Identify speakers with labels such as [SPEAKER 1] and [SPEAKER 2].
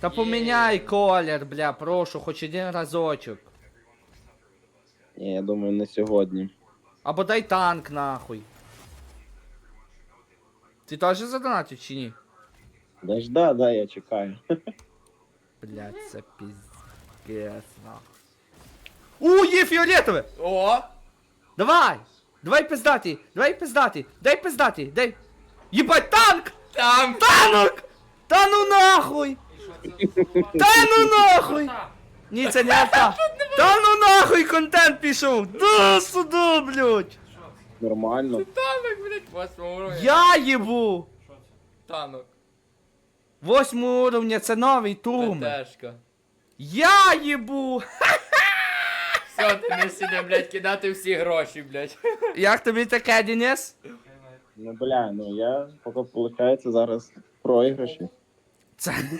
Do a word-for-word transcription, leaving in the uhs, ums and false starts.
[SPEAKER 1] Та поміняй колір, бля, прошу, хоч один разочок.
[SPEAKER 2] Ні, я думаю, не сьогодні.
[SPEAKER 1] Або дай танк нахуй. Ти теж задонатив чи ні?
[SPEAKER 2] Да ж да, да, я чекаю.
[SPEAKER 1] Блядь, це піздець нахуй. У, є фіолетове!
[SPEAKER 3] О!
[SPEAKER 1] Давай! Давай пиздати! Давай пиздати! Дай пиздати! Дай! Єбать, танк!
[SPEAKER 3] Там!
[SPEAKER 1] Танок! Та ну нахуй! Та ну нахуй! Ні, це не арта! Та ну нахуй контент пішов! Да сюди, блядь!
[SPEAKER 2] Нормально.
[SPEAKER 3] Танок, блядь, восьмого уровня.
[SPEAKER 1] Я їбу!
[SPEAKER 3] Танок.
[SPEAKER 1] Восьмого уровня, це новий турм!
[SPEAKER 3] ПТшка.
[SPEAKER 1] Я їбу!
[SPEAKER 3] Все, ти не сіде, блядь, кидати всі гроші, блядь.
[SPEAKER 1] Як тобі таке, Денис?
[SPEAKER 2] Ну, бля, ну я поки виходить зараз в проіграші.
[SPEAKER 1] Це